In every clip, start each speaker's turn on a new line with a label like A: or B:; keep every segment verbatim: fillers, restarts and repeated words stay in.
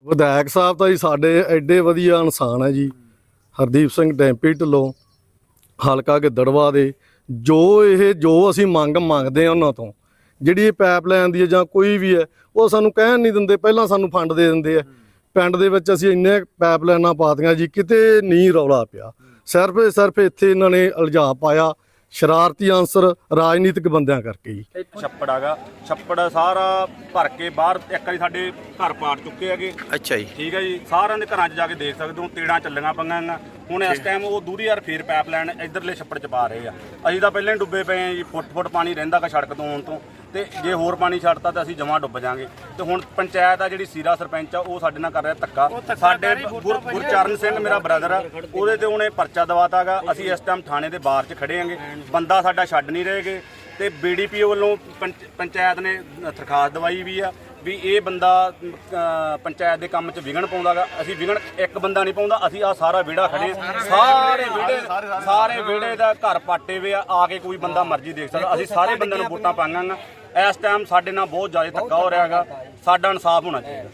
A: ਵਿਧਾਇਕ ਸਾਹਿਬ ਤਾਂ ਜੀ ਸਾਡੇ ਐਡੇ ਵਧੀਆ ਇਨਸਾਨ ਹੈ ਜੀ। ਹਰਦੀਪ ਸਿੰਘ ਡੈਂਪੀ ਢਿੱਲੋਂ ਹਲਕਾ ਗਿੱਦੜਵਾ ਦੇ, ਜੋ ਇਹ ਜੋ ਅਸੀਂ ਮੰਗ ਮੰਗਦੇ ਹਾਂ ਉਹਨਾਂ ਤੋਂ, ਜਿਹੜੀ ਇਹ ਪਾਈਪਲਾਈਨ ਦੀ ਹੈ ਜਾਂ ਕੋਈ ਵੀ ਹੈ, ਉਹ ਸਾਨੂੰ ਕਹਿਣ ਨਹੀਂ ਦਿੰਦੇ। ਪਹਿਲਾਂ ਸਾਨੂੰ ਫੰਡ ਦੇ ਦਿੰਦੇ ਆ। ਪਿੰਡ ਦੇ ਵਿੱਚ ਅਸੀਂ ਇੰਨੇ ਪਾਈਪਲਾਈਨਾਂ ਪਾਤੀਆਂ ਜੀ, ਕਿਤੇ ਨਹੀਂ ਰੌਲਾ ਪਿਆ। ਸਿਰਫ ਸਿਰਫ ਇੱਥੇ ਇਹਨਾਂ ਨੇ ਇਲਜ਼ਾਮ ਪਾਇਆ ਸ਼ਰਾਰਤੀ ਅਨਸਰ ਰਾਜਨੀਤਿਕ ਬੰਦਿਆਂ ਕਰਕੇ ਜੀ।
B: ਛੱਪੜ ਹੈਗਾ, ਛੱਪੜ ਸਾਰਾ ਭਰ ਕੇ ਬਾਹਰ ਇੱਕ ਵਾਰੀ ਸਾਡੇ ਘਰ ਪਾੜ ਚੁੱਕੇ ਹੈਗੇ।
C: ਅੱਛਾ ਜੀ,
B: ਠੀਕ ਹੈ ਜੀ। ਸਾਰਿਆਂ ਦੇ ਘਰਾਂ 'ਚ ਜਾ ਕੇ ਦੇਖ ਸਕਦੇ ਹੋ, ਤੇੜਾਂ ਚੱਲੀਆਂ ਪਈਆਂ। ਹੁਣ ਇਸ ਟਾਈਮ ਉਹ ਦੂਰੀ ਯਾਰ ਫੇਰ ਪਾਈਪਲਾਈਨ ਇੱਧਰਲੇ ਛੱਪੜ 'ਚ ਪਾ ਰਹੇ ਆ। ਅਸੀਂ ਤਾਂ ਪਹਿਲਾਂ ਹੀ ਡੁੱਬੇ ਪਏ ਆ ਜੀ, ਫੁੱਟ ਫੁੱਟ ਪਾਣੀ ਰਹਿੰਦਾ ਗਾ ਸੜਕ ਤੋਂ ਆਉਣ ਤੋਂ, ਤੇ ਜੇ ਹੋਰ ਪਾਣੀ ਛੱਡਤਾ ਤਾਂ ਅਸੀਂ ਜਮਾਂ ਡੁੱਬ ਜਾਾਂਗੇ। ਤੇ ਹੁਣ ਪੰਚਾਇਤ ਆ ਜਿਹੜੀ ਸੀਰਾ ਸਰਪੰਚ ਆ, ਉਹ ਸਾਡੇ ਨਾਲ ਕਰ ਰਿਹਾ ਧੱਕਾ। ਸਾਡੇ ਗੁਰ ਗੁਰਚਰਨ ਸਿੰਘ ਮੇਰਾ ਬ੍ਰਦਰ ਆ, ਉਹਦੇ ਤੇ ਉਹਨੇ ਪਰਚਾ ਦਵਾਤਾ ਗਾ। ਅਸੀਂ ਇਸ ਟਾਈਮ ਥਾਣੇ ਦੇ ਬਾਹਰ 'ਚ ਖੜੇ ਆਂਗੇ, ਬੰਦਾ ਸਾਡਾ ਛੱਡ ਨਹੀਂ ਰਹੇਗੇ। ਤੇ ਬੀ ਡੀ ਪੀ ਓ ਵੱਲੋਂ ਪੰਚਾਇਤ ਨੇ ਦਰਖਾਸਤ ਦਵਾਈ ਵੀ ਆ ਵੀ ਇਹ ਬੰਦਾ ਪੰਚਾਇਤ ਦੇ ਕੰਮ 'ਚ ਵਿਘਨ ਪਾਉਂਦਾ ਗਾ। ਅਸੀਂ ਵਿਘਨ ਇੱਕ ਬੰਦਾ ਨਹੀਂ ਪਾਉਂਦਾ, ਅਸੀਂ ਆ ਸਾਰਾ ਵਿਹੜਾ ਖੜੇ ਆ। ਸਾਰੇ ਵਿਹੜੇ ਸਾਰੇ ਵਿਹੜੇ ਦਾ ਘਰ ਪਾਟੇ ਵੇ ਆ, ਆ ਕੇ ਕੋਈ ਬੰਦਾ ਮਰਜ਼ੀ ਦੇਖ ਸਕਦਾ। ਅਸੀਂ ਸਾਰੇ ਬੰਦਿਆਂ ਨੂੰ ਵੋਟਾਂ ਪਾਈਆਂ ਗਾ। ਇਸ ਟਾਈਮ ਸਾਡੇ ਨਾਲ ਬਹੁਤ ਜ਼ਿਆਦਾ ਧੱਕਾ ਹੋ ਰਿਹਾ ਹੈਗਾ। ਸਾਡਾ ਇਨਸਾਫ ਹੋਣਾ ਚਾਹੀਦਾ।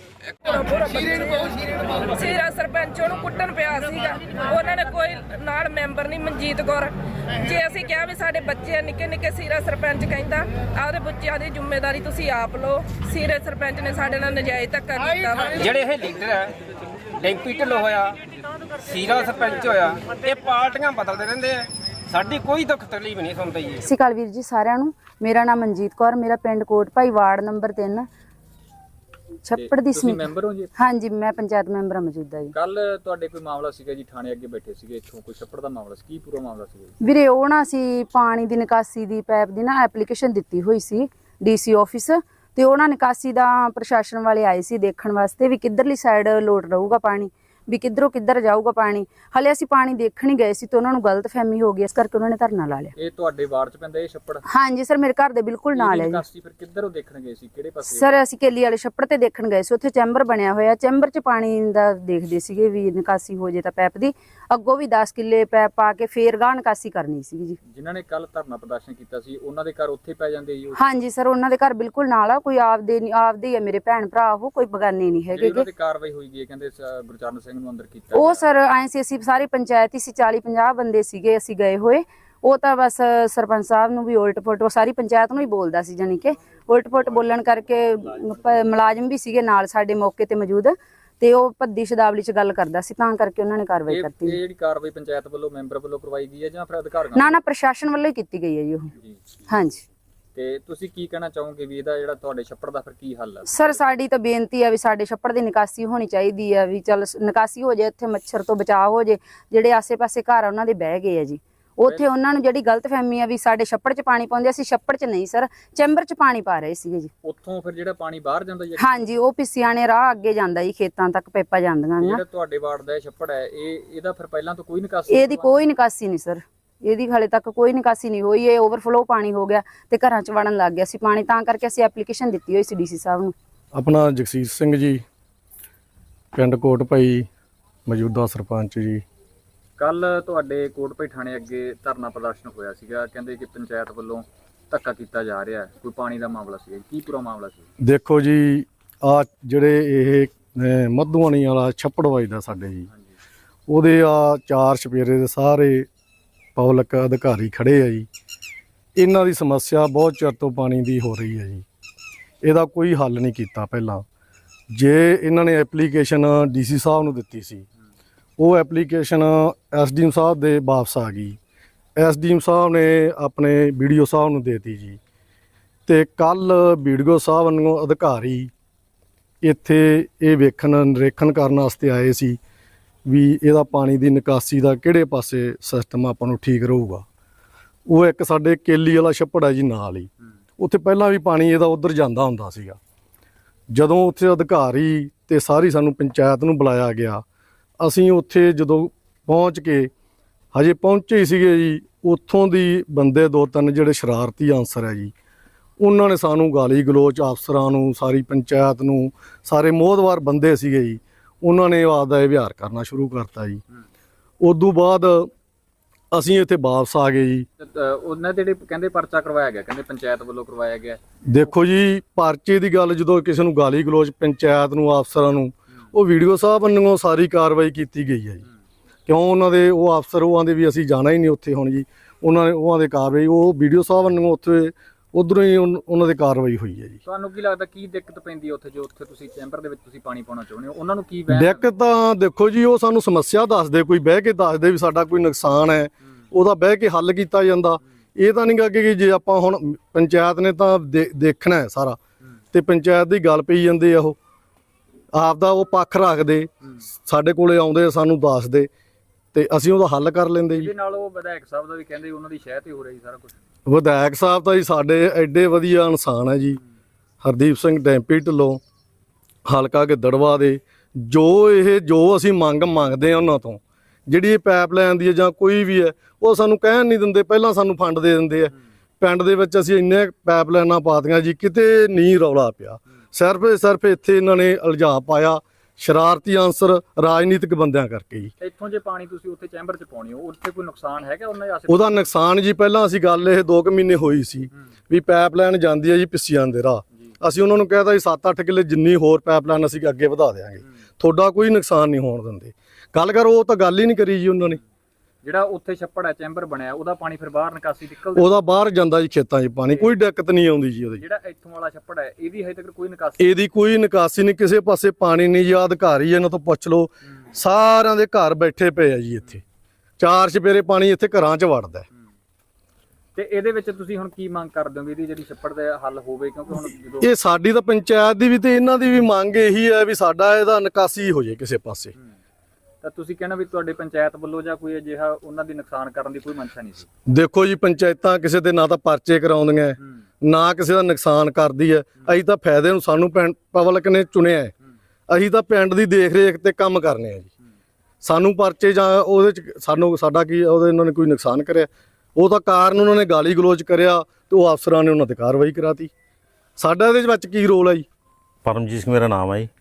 D: ਸੀਰਾ ਸਰਪੰਚ ਉਹਨੂੰ ਕੁੱਟਣ ਪਿਆ ਸੀਗਾ, ਉਹਨਾਂ ਨੇ ਕੋਈ ਨਾਲ ਮੈਂਬਰ ਨਹੀਂ, ਮਨਜੀਤ ਕੌਰ। ਜੇ ਅਸੀਂ ਕਿਹਾ ਵੀ ਸਾਡੇ ਬੱਚੇ ਨਿੱਕੇ ਨਿੱਕੇ, ਸੀਰਾ ਸਰਪੰਚ ਕਹਿੰਦਾ ਆਪਦੇ ਬੱਚਿਆਂ ਦੀ ਜ਼ਿੰਮੇਵਾਰੀ ਤੁਸੀਂ ਆਪ ਲਓ। ਸੀਰਾ ਸਰਪੰਚ ਨੇ ਸਾਡੇ ਨਾਲ ਨਜਾਇਜ਼ ਧੱਕਾ ਕੀਤਾ ਵਾ।
E: ਜਿਹੜੇ ਇਹ ਲੀਡਰ ਹੈ, ਡੈਂਪੀ ਢਿੱਲੋਂ ਹੋਇਆ, ਸੀਰਾ ਸਰਪੰਚ ਹੋਇਆ, ਇਹ ਪਾਰਟੀਆਂ ਬਦਲਦੇ ਰਹਿੰਦੇ ਆ। ਸਾਡੀ ਕੋਈ ਦੁੱਖ ਤਕਲੀਫ ਨਹੀਂ ਸੁਣਦਾ ਜੀ।
F: ਸਤਿ ਸ਼੍ਰੀ ਅਕਾਲ ਵੀਰ ਜੀ ਸਾਰਿਆਂ ਨੂੰ। ਮੇਰਾ ਨਾਮ ਮਨਜੀਤ ਕੌਰ, ਮੇਰਾ ਪਿੰਡ ਕੋਟ ਭਾਈ, ਵਾਰਡ ਨੰਬਰ ਤਿੰਨ, ਛੱਪੜ ਦੀ
G: ਤੁਸੀਂ ਮੈਂਬਰ ਹੋ ਜੀ?
F: ਹਾਂਜੀ, ਮੈਂ ਪੰਚਾਇਤ ਮੈਂਬਰ ਹਾਂ ਮੌਜੂਦਾ ਜੀ।
G: ਕੱਲ ਤੁਹਾਡੇ ਕੋਈ ਮਾਮਲਾ ਸੀਗਾ ਜੀ, ਥਾਣੇ ਅੱਗੇ ਬੈਠੇ ਸੀਗੇ, ਇੱਥੋਂ ਕੋਈ ਛੱਪੜ ਦਾ ਮਾਮਲਾ ਸੀ, ਕੀ ਪੂਰਾ ਮਾਮਲਾ ਸੀਗਾ ਜੀ?
F: ਵੀਰੇ ਉਹ ਨਾ ਅਸੀਂ ਪਾਣੀ ਦੀ ਨਿਕਾਸੀ ਦੀ ਪਾਈਪ ਦੀ ਨਾ ਐਪਲੀਕੇਸ਼ਨ ਦਿੱਤੀ ਹੋਈ ਸੀ ਡੀਸੀ ਆਫਿਸ, ਤੇ ਉਹਨਾਂ ਨਿਕਾਸੀ ਦਾ ਪ੍ਰਸ਼ਾਸਨ ਵਾਲੇ ਆਏ ਸੀ ਦੇਖਣ ਵਾਸਤੇ ਵੀ ਕਿੱਧਰਲੀ ਸਾਈਡ ਲੋਟ ਰਹੂਗਾ ਪਾਣੀ, ਵੀ ਕਿੱਧਰੋਂ ਕਿੱਧਰ ਜਾਊਗਾ ਪਾਣੀ। ਹਲੇ ਅਸੀਂ ਪਾਣੀ ਦੇਖਣ ਹੀ ਗਏ ਸੀ ਤੇ ਉਹਨਾਂ ਨੂੰ ਗਲਤਫਹਿਮੀ ਹੋ ਗਈ, ਇਸ ਕਰਕੇ ਉਹਨਾਂ ਨੇ ਧਰਨਾ ਲਾ ਲਿਆ।
G: ਇਹ ਤੁਹਾਡੇ ਵਾਰਡ 'ਚ ਪੈਂਦਾ ਇਹ ਛੱਪੜ?
F: ਹਾਂਜੀ ਸਰ, ਮੇਰੇ ਘਰ ਦੇ ਬਿਲਕੁਲ ਨਾਲ ਹੈ ਜੀ।
G: ਨਿਕਾਸੀ ਫਿਰ ਕਿੱਧਰੋਂ ਦੇਖਣ ਗਏ ਸੀ, ਕਿਹੜੇ ਪਾਸੇ?
F: ਸਰ ਅਸੀਂ ਕੇਲੀ ਵਾਲੇ ਛੱਪੜ ਤੇ ਦੇਖਣ ਗਏ ਸੀ, ਉੱਥੇ ਚੈਂਬਰ ਬਣਿਆ ਹੋਇਆ, ਚੈਂਬਰ 'ਚ ਪਾਣੀ ਦਾ ਦੇਖਦੇ ਸੀਗੇ ਵੀ ਨਿਕਾਸੀ ਹੋ ਜੇ ਤਾਂ ਪੈਪ ਦੀ। ਅੱਗੋਂ ਵੀ ਦਸ ਕਿੱਲੇ ਪੈਪ ਪਾ ਕੇ ਫੇਰ ਗਾਹ ਨਿਕਾਸੀ ਕਰਨੀ ਸੀਗੀ ਜੀ।
G: ਜਿਨ੍ਹਾਂ ਨੇ ਕੱਲ ਧਰਨਾ ਪ੍ਰਦਰਸ਼ਨ ਕੀਤਾ ਸੀ, ਉਹਨਾਂ ਦੇ ਘਰ ਉੱਥੇ ਪੈ ਜਾਂਦੇ ਜੀ?
F: ਹਾਂਜੀ ਸਰ, ਉਹਨਾਂ ਦੇ ਘਰ ਬਿਲਕੁਲ ਨਾਲ ਆ, ਕੋਈ ਆਪਦੇ ਆਪਦੇ ਹੀ ਆ, ਮੇਰੇ ਭੈਣ ਭਰਾ, ਉਹ ਕੋਈ ਬਗਾਨੇ ਨਹੀਂ ਹੈਗੇ।
G: ਉਹਨਾਂ ਦੀ ਕਾਰਵਾਈ ਹੋਈ ਗਈ ਹੈ, ਕਹਿੰਦੇ ਗੁਰਚਰਨ ਸਿੰਘ ਨੂੰ ਅੰਦਰ ਕੀਤਾ।
F: ਉਹ ਸਰ ਆਏ ਸੀ, ਅਸੀਂ ਸਾਰੀ ਪੰਚਾਇਤ ਹੀ ਸੀ, ਚਾਲੀ ਪੰਜਾਹ ਬੰਦੇ ਸੀਗੇ ਅਸੀਂ ਗਏ ਹੋਏ। ਉਹ ਤਾਂ ਬਸ ਸਰਪੰਚ ਸਾਹਿਬ ਨੂੰ ਵੀ ਉਲਟ ਪੁਲਟ, ਉਹ ਸਾਰੀ ਪੰਚਾਇਤ ਨੂੰ ਹੀ ਬੋਲਦਾ ਸੀ, ਜਾਨੀ ਕਿ ਉਲਟ ਪੁਲਟ ਬੋਲਣ ਕਰਕੇ ਮੁਲਾਜ਼ਮ ਵੀ ਸੀਗੇ ਨਾਲ ਸਾਡੇ ਮੌਕੇ ਤੇ ਮੌਜੂਦ, ਤੇ ਉਹ ਭੱਦੀ ਸ਼ਬਦਾਵਲੀ 'ਚ ਗੱਲ ਕਰਦਾ ਸੀ, ਤਾਂ ਕਰਕੇ ਉਹਨਾਂ ਨੇ ਕਾਰਵਾਈ ਕਰਤੀ।
G: ਇਹ ਜਿਹੜੀ ਕਾਰਵਾਈ ਪੰਚਾਇਤ ਵੱਲੋਂ ਮੈਂਬਰ ਵੱਲੋਂ ਕਰਵਾਈ ਗਈ ਹੈ ਜਾਂ ਫਿਰ ਅਧਿਕਾਰੀਆਂ?
F: ਨਾ ਨਾ, ਪ੍ਰਸ਼ਾਸਨ ਵੱਲੋਂ ਹੀ ਕੀਤੀ ਗਈ ਹੈ ਜੀ ਉਹ। ਹਾਂਜੀ।
G: ਤੇ ਤੁਸੀਂ ਕੀ ਕਹਿਣਾ ਚਾਹੋਗੇ ਵੀ ਇਹਦਾ ਜਿਹੜਾ ਤੁਹਾਡੇ ਛੱਪੜ ਦਾ ਫਿਰ ਕੀ ਹੱਲ ਹੈ?
F: ਸਰ ਸਾਡੀ ਤਾਂ ਬੇਨਤੀ ਹੈ ਵੀ ਸਾਡੇ ਛੱਪੜ ਦੀ ਨਿਕਾਸੀ ਹੋਣੀ ਚਾਹੀਦੀ ਹੈ, ਵੀ ਚੱਲ ਨਿਕਾਸੀ ਹੋ ਜਾਏ, ਇੱਥੇ ਮੱਛਰ ਤੋਂ ਬਚਾਅ ਹੋ ਜਾਏ। ਜਿਹੜੇ ਆਸੇ-ਪਾਸੇ ਘਰ ਉਹਨਾਂ ਦੇ ਬਹਿ ਗਏ ਆ ਜੀ, ਉੱਥੇ ਉਹਨਾਂ ਨੂੰ ਜਿਹੜੀ ਗਲਤਫਹਿਮੀ ਆ ਵੀ ਸਾਡੇ ਛੱਪੜ 'ਚ ਪਾਣੀ ਪਾਉਂਦੇ, ਅਸੀਂ ਛੱਪੜ 'ਚ ਨਹੀਂ ਸਰ, ਚੈਂਬਰ 'ਚ ਪਾਣੀ ਪਾ ਰਹੇ ਸੀਗੇ ਜੀ।
G: ਉੱਥੋਂ ਫਿਰ ਜਿਹੜਾ ਪਾਣੀ ਬਾਹਰ ਜਾਂਦਾ ਜੀ?
F: ਹਾਂਜੀ, ਉਹ ਪਿੱਸਿਆਂ ਨੇ ਰਾਹ ਅੱਗੇ ਜਾਂਦਾ ਜੀ, ਖੇਤਾਂ ਤੱਕ ਪੈਪਾਂ ਜਾਂਦੀਆਂ ਨੇ।
G: ਜਿਹੜਾ ਤੁਹਾਡੇ ਵਾਰਡ ਦਾ ਛੱਪੜ ਹੈ, ਇਹ ਇਹਦਾ ਫਿਰ ਪਹਿਲਾਂ ਤੋਂ ਕੋਈ ਨਿਕਾਸੀ?
F: ਇਹਦੀ ਕੋਈ ਨਿਕਾਸੀ ਨਹੀਂ ਸਰ, ਇਹਦੀ ਹਾਲੇ ਤੱਕ ਕੋਈ ਨਿਕਾਸੀ ਨਹੀਂ ਹੋਈ। ਇਹ ਓਵਰਫਲੋ ਪਾਣੀ ਹੋ ਗਿਆ ਤੇ ਘਰਾਂ 'ਚ ਵੜਨ ਲੱਗ ਗਿਆ ਸੀ ਪਾਣੀ, ਤਾਂ ਕਰਕੇ ਅਸੀਂ ਐਪਲੀਕੇਸ਼ਨ ਦਿੱਤੀ ਹੋਈ ਸੀ ਡੀਸੀ ਸਾਹਿਬ ਨੂੰ।
A: ਆਪਣਾ ਜਗਸੀਰ ਸਿੰਘ ਜੀ, ਪਿੰਡ ਕੋਟ ਭਾਈ, ਮੌਜੂਦਾ ਸਰਪੰਚ ਜੀ।
G: ਕੱਲ ਤੁਹਾਡੇ ਕੋਟਪਈ ਥਾਣੇ ਅੱਗੇ ਧਰਨਾ ਪ੍ਰਦਰਸ਼ਨ ਹੋਇਆ ਸੀਗਾ, ਕਹਿੰਦੇ ਕਿ ਪੰਚਾਇਤ ਵੱਲੋਂ ਧੱਕਾ ਕੀਤਾ ਜਾ ਰਿਹਾ, ਕੋਈ ਪਾਣੀ ਦਾ ਮਾਮਲਾ ਸੀ, ਕੀ ਪੂਰਾ ਮਾਮਲਾ ਸੀ?
A: ਦੇਖੋ ਜੀ, ਆ ਜਿਹੜੇ ਇਹ ਮੱਧੂਆਣੀ ਵਾਲਾ ਛੱਪੜ ਵੱਜਦਾ ਸਾਡੇ ਜੀ, ਉਹਦੇ ਆ ਚਾਰ ਛਪੇਰੇ ਦੇ ਸਾਰੇ ਪਬਲਿਕ ਅਧਿਕਾਰੀ ਖੜੇ ਆ ਜੀ। ਇਹਨਾਂ ਦੀ ਸਮੱਸਿਆ ਬਹੁਤ ਚਿਰ ਤੋਂ ਪਾਣੀ ਦੀ ਹੋ ਰਹੀ ਹੈ ਜੀ, ਇਹਦਾ ਕੋਈ ਹੱਲ ਨਹੀਂ ਕੀਤਾ ਪਹਿਲਾਂ। ਜੇ ਇਹਨਾਂ ਨੇ ਐਪਲੀਕੇਸ਼ਨ ਡੀਸੀ ਸਾਹਿਬ ਨੂੰ ਦਿੱਤੀ ਸੀ, ਉਹ ਐਪਲੀਕੇਸ਼ਨ ਐਸਡੀਐਮ ਸਾਹਿਬ ਦੇ ਵਾਪਸ ਆ ਗਈ। ਐਸਡੀਐਮ ਸਾਹਿਬ ਨੇ ਆਪਣੇ ਵੀਡੀਓ ਸਾਹਿਬ ਨੂੰ ਦੇਤੀ ਜੀ, ਤੇ ਕੱਲ ਵੀਡੀਓ ਸਾਹਿਬ ਨੂੰ ਅਧਿਕਾਰੀ ਇੱਥੇ ਇਹ ਵੇਖਣ ਨਿਰੀਖਣ ਕਰਨ ਵਾਸਤੇ ਆਏ ਸੀ ਵੀ ਇਹਦਾ ਪਾਣੀ ਦੀ ਨਿਕਾਸੀ ਦਾ ਕਿਹੜੇ ਪਾਸੇ ਸਿਸਟਮ ਆਪਾਂ ਨੂੰ ਠੀਕ ਰਹੂਗਾ। ਉਹ ਇੱਕ ਸਾਡੇ ਕੇਲੀ ਵਾਲਾ ਛੱਪੜ ਹੈ ਜੀ ਨਾਲ ਹੀ, ਉੱਥੇ ਪਹਿਲਾਂ ਵੀ ਪਾਣੀ ਇਹਦਾ ਉੱਧਰ ਜਾਂਦਾ ਹੁੰਦਾ ਸੀਗਾ। ਜਦੋਂ ਉੱਥੇ ਅਧਿਕਾਰੀ ਤੇ ਸਾਰੀ ਸਾਨੂੰ ਪੰਚਾਇਤ ਨੂੰ ਬੁਲਾਇਆ ਗਿਆ, ਅਸੀਂ ਉੱਥੇ ਜਦੋਂ ਪਹੁੰਚ ਕੇ ਹਜੇ ਪਹੁੰਚੇ ਹੀ ਸੀਗੇ ਜੀ, ਉੱਥੋਂ ਦੀ ਬੰਦੇ ਦੋ ਤਿੰਨ ਜਿਹੜੇ ਸ਼ਰਾਰਤੀ ਅਨਸਰ ਹੈ ਜੀ, ਉਹਨਾਂ ਨੇ ਸਾਨੂੰ ਗਾਲੀ ਗਲੋਚ ਅਫਸਰਾਂ ਨੂੰ, ਸਾਰੀ ਪੰਚਾਇਤ ਨੂੰ, ਸਾਰੇ ਮੋਹਦਵਾਰ ਬੰਦੇ ਸੀਗੇ ਜੀ, ਉਹਨਾਂ ਨੇ ਆਪਦਾ ਇਹ ਵਿਹਾਰ ਕਰਨਾ ਸ਼ੁਰੂ ਕਰਤਾ ਜੀ। ਉਦੋਂ ਬਾਅਦ ਅਸੀਂ ਇੱਥੇ ਵਾਪਸ ਆ ਗਏ ਜੀ।
G: ਉਹਨਾਂ ਦੇ ਜਿਹੜੇ ਕਹਿੰਦੇ ਪਰਚਾ ਕਰਵਾਇਆ ਗਿਆ, ਕਹਿੰਦੇ ਪੰਚਾਇਤ ਵੱਲੋਂ ਕਰਵਾਇਆ ਗਿਆ।
A: ਦੇਖੋ ਜੀ, ਪਰਚੇ ਦੀ ਗੱਲ ਜਦੋਂ ਕਿਸੇ ਨੂੰ ਗਾਲੀ ਗਲੋਚ ਪੰਚਾਇਤ ਨੂੰ, ਅਫਸਰਾਂ ਨੂੰ, ਉਹ ਵੀਡੀਓ ਸਾਹਿਬ ਵੱਲੋਂ ਸਾਰੀ ਕਾਰਵਾਈ ਕੀਤੀ ਗਈ ਹੈ ਜੀ। ਕਿਉਂ ਉਹਨਾਂ ਦੇ ਉਹ ਅਫਸਰ ਉਹ ਆਂਦੇ ਵੀ ਅਸੀਂ ਜਾਣਾ ਹੀ ਨਹੀਂ ਉੱਥੇ ਹੁਣ ਜੀ, ਉਹਨਾਂ ਨੇ ਉਹਨਾਂ ਦੇ ਕਾਰਵਾਈ ਉਹ ਵੀਡੀਓ ਸਾਹਿਬ ਵੱਲੋਂ ਉੱਥੇ ਉਧਰੋਂ ਹੀ ਉਨ- ਉਹਨਾਂ ਦੀ ਕਾਰਵਾਈ ਹੋਈ ਹੈ ਜੀ।
G: ਤੁਹਾਨੂੰ ਕੀ ਲੱਗਦਾ ਕੀ ਦਿੱਕਤ ਪੈਂਦੀ ਹੈ ਉੱਥੇ ਜੋ ਉੱਥੇ ਤੁਸੀਂ ਚੈਂਬਰ ਦੇ ਵਿੱਚ ਤੁਸੀਂ ਪਾਣੀ ਪਾਉਣਾ ਚਾਹੁੰਦੇ ਹੋ, ਉਹਨਾਂ ਨੂੰ ਕੀ ਵਹਿਮ
A: ਦਿੱਕਤ ਤਾਂ ਦੇਖੋ ਜੀ, ਉਹ ਸਾਨੂੰ ਸਮੱਸਿਆ ਦੱਸਦੇ, ਕੋਈ ਬਹਿ ਕੇ ਦੱਸਦੇ ਵੀ ਸਾਡਾ ਕੋਈ ਨੁਕਸਾਨ ਹੈ, ਉਹਦਾ ਬਹਿ ਕੇ ਹੱਲ ਕੀਤਾ ਜਾਂਦਾ। ਇਹ ਤਾਂ ਨਹੀਂ ਗਾ ਕਿ ਜੇ ਆਪਾਂ ਹੁਣ ਪੰਚਾਇਤ ਨੇ ਤਾਂ ਦੇ- ਦੇਖਣਾ ਹੈ ਸਾਰਾ, ਤੇ ਪੰਚਾਇਤ ਦੀ ਗੱਲ ਪਈ ਜਾਂਦੇ ਆ, ਉਹ ਆਪ ਦਾ ਉਹ ਪੱਖ ਰੱਖਦੇ, ਸਾਡੇ ਕੋਲੇ ਆਉਂਦੇ ਸਾਨੂੰ ਦੱਸਦੇ ਤੇ ਅਸੀਂ ਉਹਦਾ ਹੱਲ ਕਰ ਲੈਂਦੇ ਜੀ।
G: ਇਹਦੇ ਨਾਲ ਉਹ ਵਿਧਾਇਕ ਸਾਹਿਬ ਦਾ ਵੀ ਕਹਿੰਦੇ ਉਹਨਾਂ ਦੀ ਸ਼ਹਿ ਤੇ ਹੋ ਰਹੀ ਸਾਰਾ ਕੁਝ।
A: ਵਿਧਾਇਕ ਸਾਹਿਬ ਤਾਂ ਜੀ ਸਾਡੇ ਐਡੇ ਵਧੀਆ ਇਨਸਾਨ ਹੈ ਜੀ, ਹਰਦੀਪ ਸਿੰਘ ਡੈਂਪੀ ਢਿੱਲੋਂ, ਹਲਕਾ ਗਿੱਦੜਵਾ ਦੇ। ਜੋ ਇਹ ਜੋ ਅਸੀਂ ਮੰਗ ਮੰਗਦੇ ਆ ਉਹਨਾਂ ਤੋਂ, ਜਿਹੜੀ ਇਹ ਪਾਈਪਲਾਈਨ ਦੀ ਹੈ ਜਾਂ ਕੋਈ ਵੀ ਹੈ, ਉਹ ਸਾਨੂੰ ਕਹਿਣ ਨਹੀਂ ਦਿੰਦੇ, ਪਹਿਲਾਂ ਸਾਨੂੰ ਫੰਡ ਦੇ ਦਿੰਦੇ ਆ। ਪਿੰਡ ਦੇ ਵਿੱਚ ਅਸੀਂ ਇੰਨੇ ਪਾਈਪਲਾਈਨਾਂ ਪਾਤੀਆਂ ਜੀ, ਕਿਤੇ ਨਹੀਂ ਰੌਲਾ ਪਿਆ। ਸਿਰਫ ਸਿਰਫ ਇੱਥੇ ਇਹਨਾਂ ਨੇ ਇਲਜ਼ਾਮ ਪਾਇਆ ਸ਼ਰਾਰਤੀ ਅਨਸਰ ਰਾਜਨੀਤਿਕ ਬੰਦਿਆਂ ਕਰਕੇ ਜੀ।
G: ਇੱਥੋਂ ਜੇ ਪਾਣੀ ਤੁਸੀਂ ਉੱਥੇ ਚੈਂਬਰ 'ਚ ਪਾਉਣੀ ਹੋ, ਉੱਥੇ ਕੋਈ ਨੁਕਸਾਨ ਹੈਗਾ ਉਹਨਾਂ ਦੇ ਆਸੇ
A: ਉਹਦਾ ਨੁਕਸਾਨ ਜੀ, ਪਹਿਲਾਂ ਅਸੀਂ ਗੱਲ ਇਹ ਦੋ ਕੁ ਮਹੀਨੇ ਹੋਈ ਸੀ ਵੀ ਪਾਈਪਲਾਈਨ ਜਾਂਦੀ ਹੈ ਜੀ ਪਿੱਸੀਆਂ ਦੇ ਰਾਹ। ਅਸੀਂ ਉਹਨਾਂ ਨੂੰ ਕਹਿਤਾ ਜੀ ਸੱਤ ਅੱਠ ਕਿੱਲੇ ਜਿੰਨੀ ਹੋਰ ਪਾਈਪਲਾਈਨ ਅਸੀਂ ਅੱਗੇ ਵਧਾ ਦੇਵਾਂਗੇ, ਤੁਹਾਡਾ ਕੋਈ ਨੁਕਸਾਨ ਨਹੀਂ ਹੋਣ ਦਿੰਦੇ। ਗੱਲ ਕਰ ਉਹ ਤਾਂ ਗੱਲ ਹੀ ਨਹੀਂ ਕਰੀ ਜੀ ਉਹਨਾਂ ਨੇ।
G: ਜਿਹੜਾ ਉੱਥੇ ਛੱਪੜ ਹੈ ਚੈਂਬਰ ਬਣਿਆ ਉਹਦਾ ਪਾਣੀ ਫਿਰ ਬਾਹਰ ਨਿਕਾਸੀ ਨਿਕਲਦਾ,
A: ਉਹਦਾ ਬਾਹਰ ਜਾਂਦਾ ਜੀ ਖੇਤਾਂ 'ਚ ਪਾਣੀ, ਕੋਈ ਦਿੱਕਤ ਨਹੀਂ ਆਉਂਦੀ ਜੀ ਉਹਦੀ।
G: ਜਿਹੜਾ ਇੱਥੋਂ ਵਾਲਾ ਛੱਪੜ ਹੈ ਇਹਦੀ ਹਜੇ ਤੱਕ ਕੋਈ ਨਿਕਾਸੀ
A: ਇਹਦੀ ਕੋਈ ਨਿਕਾਸੀ ਨਹੀਂ, ਕਿਸੇ ਪਾਸੇ ਪਾਣੀ ਨਹੀਂ ਜੀ। ਅਧਿਕਾਰੀ ਇਹਨਾਂ ਤੋਂ ਪੁੱਛ ਲਓ, ਸਾਰਿਆਂ ਦੇ ਘਰ ਬੈਠੇ ਪਏ ਆ ਜੀ। ਇੱਥੇ ਚਾਰ ਚਪੇਰੇ ਪਾਣੀ ਇੱਥੇ ਘਰਾਂ 'ਚ ਵੜਦਾ ਹੈ।
G: ਤੇ ਇਹਦੇ ਵਿੱਚ ਤੁਸੀਂ ਹੁਣ ਕੀ ਮੰਗ ਕਰਦੇ ਹੋ ਵੀ ਇਹਦੀ ਜਿਹੜੀ ਛੱਪੜ ਦਾ ਹੱਲ ਹੋਵੇ, ਕਿਉਂਕਿ ਹੁਣ ਜਦੋਂ
A: ਇਹ ਸਾਡੀ ਤਾਂ ਪੰਚਾਇਤ ਦੀ ਵੀ ਤੇ ਇਹਨਾਂ ਦੀ ਵੀ ਮੰਗ ਇਹੀ ਹੈ ਵੀ ਸਾਡਾ ਇਹਦਾ ਨਿਕਾਸੀ ਹੋ ਜੇ ਕਿਸੇ ਪਾਸੇ।
G: ਤਾਂ ਤੁਸੀਂ ਕਹਿਣਾ ਵੀ ਤੁਹਾਡੇ ਪੰਚਾਇਤ ਵੱਲੋਂ ਜਾਂ ਕੋਈ ਅਜਿਹਾ ਉਹਨਾਂ ਦੀ ਨੁਕਸਾਨ ਕਰਨ ਦੀ ਕੋਈ ਮਨਸ਼ਾ ਨਹੀਂ ਸੀ।
A: ਦੇਖੋ ਜੀ, ਪੰਚਾਇਤਾਂ ਕਿਸੇ ਦੇ ਨਾ ਤਾਂ ਪਰਚੇ ਕਰਾਉਂਦੀਆਂ ਹੈ, ਨਾ ਕਿਸੇ ਦਾ ਨੁਕਸਾਨ ਕਰਦੀ ਹੈ। ਅਸੀਂ ਤਾਂ ਫਾਇਦੇ ਨੂੰ ਸਾਨੂੰ ਪਿੰਡ ਪਬਲਿਕ ਨੇ ਚੁਣਿਆ ਹੈ, ਅਸੀਂ ਤਾਂ ਪਿੰਡ ਦੀ ਦੇਖ ਰੇਖ ਤੇ ਕੰਮ ਕਰਨੇ ਆ ਜੀ। ਸਾਨੂੰ ਪਰਚੇ ਜਾਂ ਉਹਦੇ ਚ ਸਾਨੂੰ ਸਾਡਾ ਕੀ ਉਹਦੇ ਇਹਨਾਂ ਨੇ ਕੋਈ ਨੁਕਸਾਨ ਕਰਿਆ, ਉਹ ਤਾਂ ਕਾਰਨ ਉਹਨਾਂ ਨੇ ਗਾਲੀ ਗਲੋਚ ਕਰਿਆ ਤੇ ਉਹ ਅਫਸਰਾਂ ਨੇ ਉਹਨਾਂ ਤੇ ਕਾਰਵਾਈ ਕਰਾਤੀ। ਸਾਡਾ ਇਹਦੇ ਵਿੱਚ ਕੀ ਰੋਲ ਹੈ ਜੀ?
C: ਪਰਮਜੀਤ ਸਿੰਘ ਮੇਰਾ ਨਾਮ ਹੈ ਜੀ।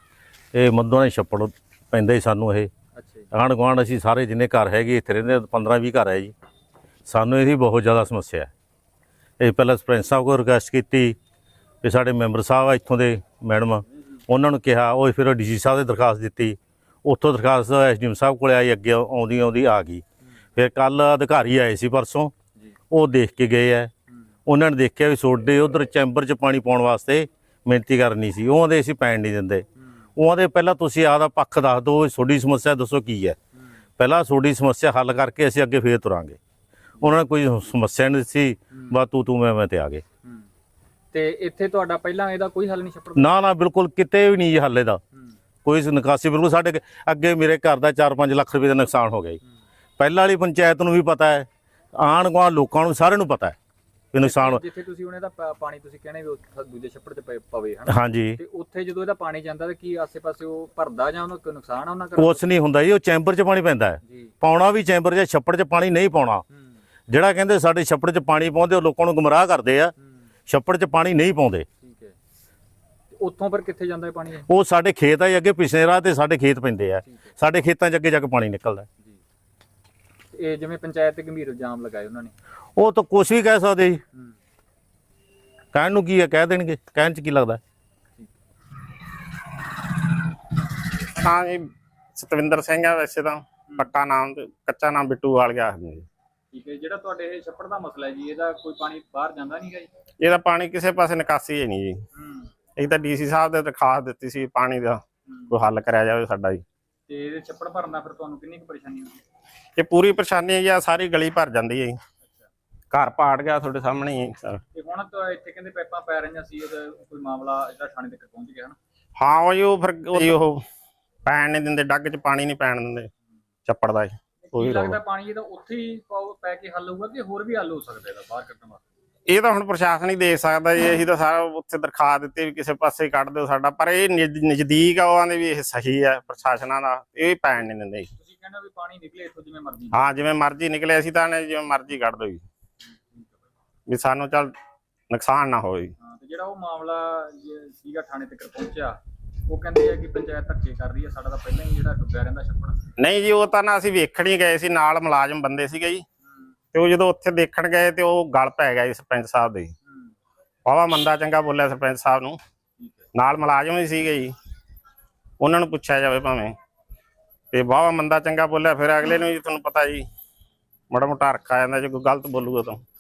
C: ਇਹ ਮੱਦੋਆਂ ਦੇ ਛੱਪੜ ਪੈਂਦਾ ਹੀ ਸਾਨੂੰ। ਇਹ
G: ਅੱਛਾ ਜੀ।
C: ਆਂਢ ਗੁਆਂਢ ਅਸੀਂ ਸਾਰੇ ਜਿੰਨੇ ਘਰ ਹੈਗੇ ਇੱਥੇ ਰਹਿੰਦੇ ਪੰਦਰਾਂ ਵੀਹ ਘਰ ਹੈ ਜੀ। ਸਾਨੂੰ ਇਹਦੀ ਬਹੁਤ ਜ਼ਿਆਦਾ ਸਮੱਸਿਆ ਹੈ। ਇਹ ਪਹਿਲਾਂ ਸਰਪੰਚ ਸਾਹਿਬ ਕੋਲ ਰਿਕੁਐਸਟ ਕੀਤੀ ਵੀ ਸਾਡੇ ਮੈਂਬਰ ਸਾਹਿਬ ਆ ਇੱਥੋਂ ਦੇ ਮੈਡਮ, ਉਹਨਾਂ ਨੂੰ ਕਿਹਾ, ਉਹ ਫਿਰ ਡੀ ਸੀ ਸਾਹਿਬ ਦੇ ਦਰਖਾਸਤ ਦਿੱਤੀ, ਉੱਥੋਂ ਦਰਖਾਸਤ ਐਸ ਡੀ ਐਮ ਸਾਹਿਬ ਕੋਲ ਆਈ, ਅੱਗੇ ਆਉਂਦੀ ਆਉਂਦੀ ਆ ਗਈ। ਫਿਰ ਕੱਲ ਅਧਿਕਾਰੀ ਆਏ ਸੀ ਪਰਸੋਂ, ਉਹ ਦੇਖ ਕੇ ਗਏ ਹੈ। ਉਹਨਾਂ ਨੇ ਦੇਖਿਆ ਵੀ ਤੁਹਾਡੇ ਉਧਰ ਚੈਂਬਰ 'ਚ ਪਾਣੀ ਪਾਉਣ ਵਾਸਤੇ ਮਿਹਨਤੀ ਕਰਨੀ ਸੀ, ਉਹ ਆਂਦੇ ਅਸੀਂ ਪੈਣ ਨਹੀਂ ਦਿੰਦੇ। ਉਹ ਆਂਦੇ ਪਹਿਲਾਂ ਤੁਸੀਂ ਆਪਦਾ ਪੱਖ ਦੱਸ ਦਿਓ, ਤੁਹਾਡੀ ਸਮੱਸਿਆ ਦੱਸੋ ਕੀ ਹੈ, ਪਹਿਲਾਂ ਤੁਹਾਡੀ ਸਮੱਸਿਆ ਹੱਲ ਕਰਕੇ ਅਸੀਂ ਅੱਗੇ ਫੇਰ ਤੁਰਾਂਗੇ। ਉਹਨਾਂ ਨੇ ਕੋਈ ਸਮੱਸਿਆ ਨਹੀਂ ਸੀ, ਬਸ ਤੂੰ ਤੂੰ ਮੈਂ ਮੈਂ ਤੇ ਆ ਗਏ।
G: ਤੇ ਇੱਥੇ ਤੁਹਾਡਾ ਪਹਿਲਾਂ ਇਹਦਾ ਕੋਈ ਹੱਲ ਨਹੀਂ ਛੱਪੜ?
C: ਨਾ ਨਾ ਬਿਲਕੁਲ ਕਿਤੇ ਵੀ ਨਹੀਂ ਜੀ ਹੱਲ ਇਹਦਾ, ਕੋਈ ਨਿਕਾਸੀ ਬਿਲਕੁਲ। ਸਾਡੇ ਅੱਗੇ ਮੇਰੇ ਘਰ ਦਾ ਚਾਰ ਪੰਜ ਲੱਖ ਰੁਪਏ ਦਾ ਨੁਕਸਾਨ ਹੋ ਗਿਆ ਜੀ। ਪਹਿਲਾਂ ਵਾਲੀ ਪੰਚਾਇਤ ਨੂੰ ਵੀ ਪਤਾ ਹੈ, ਆਂਢ ਗੁਆਂਢ ਲੋਕਾਂ ਨੂੰ ਸਾਰਿਆਂ ਨੂੰ ਪਤਾ ਹੈ ਵੀ ਨੁਕਸਾਨ।
G: ਜਿੱਥੇ ਤੁਸੀਂ ਉਹਨੇ ਦਾ ਪਾਣੀ ਤੁਸੀਂ ਕਹਿੰਦੇ ਵੀ ਉੱਥੇ ਦੂਜੇ ਛੱਪੜ 'ਚ ਪਏ- ਪਵੇ ਹਨਾ,
C: ਹਾਂਜੀ,
G: ਤੇ ਉੱਥੇ ਜਦੋਂ ਇਹਦਾ ਪਾਣੀ ਜਾਂਦਾ ਤੇ ਕੀ ਆਸੇ-ਪਾਸੇ ਉਹ ਭਰਦਾ ਜਾਂ ਉਹਨੂੰ ਕੋਈ ਨੁਕਸਾਨ ਆ ਉਹਨਾਂ ਦਾ?
C: ਕੁਛ ਨਹੀਂ ਹੁੰਦਾ ਜੀ, ਉਹ ਚੈਂਬਰ 'ਚ ਪਾਣੀ ਪੈਂਦਾ ਹੈ।
G: ਜੀ।
C: ਪਾਉਣਾ ਵੀ ਚੈਂਬਰ 'ਚ, ਛੱਪੜ 'ਚ ਪਾਣੀ ਨਹੀਂ ਪਾਉਣਾ। ਜਿਹੜਾ ਕਹਿੰਦੇ ਸਾਡੇ ਛੱਪੜ 'ਚ ਪਾਣੀ ਪਾਉਂਦੇ, ਉਹ ਲੋਕਾਂ ਨੂੰ ਗੁੰਮਰਾਹ ਕਰਦੇ ਆ। ਛੱਪੜ 'ਚ ਪਾਣੀ ਨਹੀਂ ਪਾਉਂਦੇ।
G: ਠੀਕ ਹੈ। ਤੇ ਉੱਥੋਂ ਫਿਰ ਕਿੱਥੇ ਜਾਂਦਾ ਹੈ ਪਾਣੀ ਇਹ?
C: ਉਹ ਸਾਡੇ ਖੇਤ ਆ ਜੀ, ਅੱਗੇ ਪਿਛਲੇ ਰਾਹ ਤੇ ਸਾਡੇ ਖੇਤ ਪੈਂਦੇ ਆ। ਸਾਡੇ ਖੇਤਾਂ 'ਚ ਅੱਗੇ ਜਾ ਕੇ ਪਾਣੀ ਨਿਕਲਦਾ।
G: ਜੀ। ਇਹ ਜਿਵੇਂ ਪੰਚਾਇਤ ਤੇ ਗੰਭੀਰ ਇਲਜ਼ਾਮ ਲਗਾਏ ਉਹਨਾਂ ਨੇ,
C: ਉਹ ਤਾਂ ਕੁਛ ਵੀ ਕਹਿ ਸਕਦੇ ਜੀ, ਕਹਿਣ ਨੂੰ ਕੀ ਹੈ, ਕਹਿ ਦੇਣਗੇ, ਕਹਿਣ 'ਚ ਕੀ ਲੱਗਦਾ।
H: ਹਾਂ ਜੀ, ਸਤਵਿੰਦਰ ਸਿੰਘ ਆ ਵੈਸੇ ਤਾਂ, ਪੱਕਾ ਨਾਮ ਤੇ ਕੱਚਾ ਨਾਮ ਬਿੱਟੂ ਵਾਲੀਆ ਹੈ ਜੀ।
G: ਠੀਕ ਹੈ। ਜਿਹੜਾ ਤੁਹਾਡੇ ਇਹ ਛੱਪੜ ਦਾ ਮਸਲਾ ਹੈ ਜੀ, ਇਹਦਾ ਕੋਈ ਪਾਣੀ ਬਾਹਰ ਜਾਂਦਾ ਨਹੀਂਗਾ ਜੀ?
H: ਇਹਦਾ ਪਾਣੀ ਕਿਸੇ ਪਾਸੇ ਨਿਕਾਸੀ ਹੈ ਨਹੀਂ ਜੀ। ਇੱਕ ਤਾਂ ਡੀ ਸੀ ਸਾਹਿਬ ਦੇ ਦਰਖਾਸਤ ਦਿੱਤੀ ਸੀ ਪਾਣੀ ਦਾ ਕੋਈ ਹੱਲ ਕਰਿਆ ਜਾਵੇ ਸਾਡਾ ਜੀ।
G: ਤੇ ਇਹਦੇ ਛੱਪੜ ਭਰਨਾ ਫਿਰ ਤੁਹਾਨੂੰ ਕਿੰਨੀ ਕੁ ਪਰੇਸ਼ਾਨੀ ਹੁੰਦੀ ਹੈ?
H: ਇਹ ਪੂਰੀ ਪਰੇਸ਼ਾਨੀ ਹੈ ਜੀ, ਆਹ ਸਾਰੀ ਗਲੀ ਭਰ ਜਾਂਦੀ ਹੈ ਜੀ। ਘਰ ਪਾੜ ਗਿਆ ਤੁਹਾਡੇ ਸਾਹਮਣੇ ਹੀ ਸਰ।
G: ਤੇ ਹੁਣ ਤਾਂ ਇੱਥੇ ਕਹਿੰਦੇ ਪਾਈਪਾਂ ਪੈ ਰਹੀਆਂ ਸੀ, ਉਹਦਾ ਕੋਈ ਮਾਮਲਾ ਜਿਹੜਾ ਥਾਣੇ ਤੱਕ ਪਹੁੰਚ ਗਿਆ ਨਾ?
H: ਹਾਂ ਉਹ ਜੀ, ਉਹ ਫਿਰ ਉਹ- ਉਹ ਪੈਣ ਨਹੀਂ ਦਿੰਦੇ, ਡੱਗ 'ਚ ਪਾਣੀ ਨਹੀਂ ਪੈਣ ਦਿੰਦੇ ਛੱਪੜ ਦਾ ਜੀ।
G: ਕੀ ਲੱਗਦਾ ਪਾਣੀ ਇਹਦਾ ਉੱਥੇ ਹੀ ਪਾਓ ਪੈ ਕੇ ਹੱਲ ਹੋਊਗਾ ਕਿ ਹੋਰ ਵੀ ਹੱਲ ਹੋ ਸਕਦਾ ਇਹਦਾ ਬਾਹਰ ਕੱਢਣ ਵਾਸਤੇ?
H: ਇਹ ਤਾਂ ਹੁਣ ਪ੍ਰਸ਼ਾਸਨ ਹੀ ਦੇਖ ਸਕਦਾ ਜੀ। ਅਸੀਂ ਤਾਂ ਸਾਰਾ ਉੱਥੇ ਦਰਖਾਸਤ ਦਿੱਤੀ ਵੀ ਕਿਸੇ ਪਾਸੇ ਕੱਢ ਦਿਓ ਸਾਡਾ, ਪਰ ਇਹ ਨਜ਼- ਨਜ਼ਦੀਕ ਆ, ਉਹਨਾਂ ਦੇ ਵੀ ਇਹ ਸਹੀ ਹੈ ਪ੍ਰਸ਼ਾਸਨਾਂ ਦਾ, ਇਹ ਪੈਣ ਨਹੀਂ ਦਿੰਦੇ।
G: ਤੁਸੀਂ ਕਹਿੰਦੇ ਵੀ ਪਾਣੀ ਨਿਕਲੇ ਇੱਥੋਂ ਜਿਵੇਂ ਮਰਜ਼ੀ?
H: ਹਾਂ, ਜਿਵੇਂ ਮਰਜ਼ੀ ਨਿਕਲੇ, ਅਸੀਂ ਤਾਂ ਨੇ ਜਿਵੇਂ ਮਰਜ਼ੀ ਕੱਢ ਦਿਓ ਜੀ, ਵੀ ਸਾਨੂੰ ਚੱਲ ਨੁਕਸਾਨ ਨਾ ਹੋਵੇ।
G: ਹਾਂ। ਤੇ ਜਿਹੜਾ ਉਹ ਮਾਮਲਾ ਸੀਗਾ ਥਾਣੇ ਤੱਕ ਪਹੁੰਚਿਆ, ਉਹ ਕਹਿੰਦੇ ਆ ਕਿ ਪੰਚਾਇਤ ਧੱਕੇ ਕਰ ਰਹੀ ਹੈ, ਸਾਡਾ ਤਾਂ ਪਹਿਲਾਂ ਹੀ ਜਿਹੜਾ ਡੁੱਬਿਆ ਰਹਿੰਦਾ ਛੱਪੜ।
H: ਨਹੀਂ ਜੀ, ਉਹ ਤਾਂ ਨਾ ਅਸੀਂ ਵੇਖਣ ਹੀ ਗਏ ਸੀ, ਨਾਲ ਮੁਲਾਜ਼ਮ ਬੰਦੇ ਸੀਗੇ ਜੀ, ਤੇ ਉਹ ਜਦੋਂ ਉੱਥੇ ਦੇਖਣ ਗਏ ਤੇ ਉਹ ਗਲ ਪੈ ਗਿਆ ਜੀ ਸਰਪੰਚ ਸਾਹਿਬ ਦੇ। ਵਾਹਵਾ ਮੰਦਾ ਚੰਗਾ ਬੋਲਿਆ ਸਰਪੰਚ ਸਾਹਿਬ ਨੂੰ, ਨਾਲ ਮੁਲਾਜ਼ਮ ਹੀ ਸੀਗੇ ਜੀ। ਉਹਨਾਂ ਨੂੰ ਪੁੱਛਿਆ ਜਾਵੇ ਭਾਵੇਂ। ਤੇ ਵਾਹਵਾ ਮੰਦਾ ਚੰਗਾ ਬੋਲਿਆ ਫਿਰ ਅਗਲੇ ਨੂੰ ਜੀ ਤੁਹਾਨੂੰ ਪਤਾ ਜੀ ਮਾੜਾ ਮੋਟਾ ਰੱਖਾ ਜਾਂਦਾ ਜੇ ਕੋਈ ਗਲਤ ਬੋਲੂਗਾ ਤਾਂ।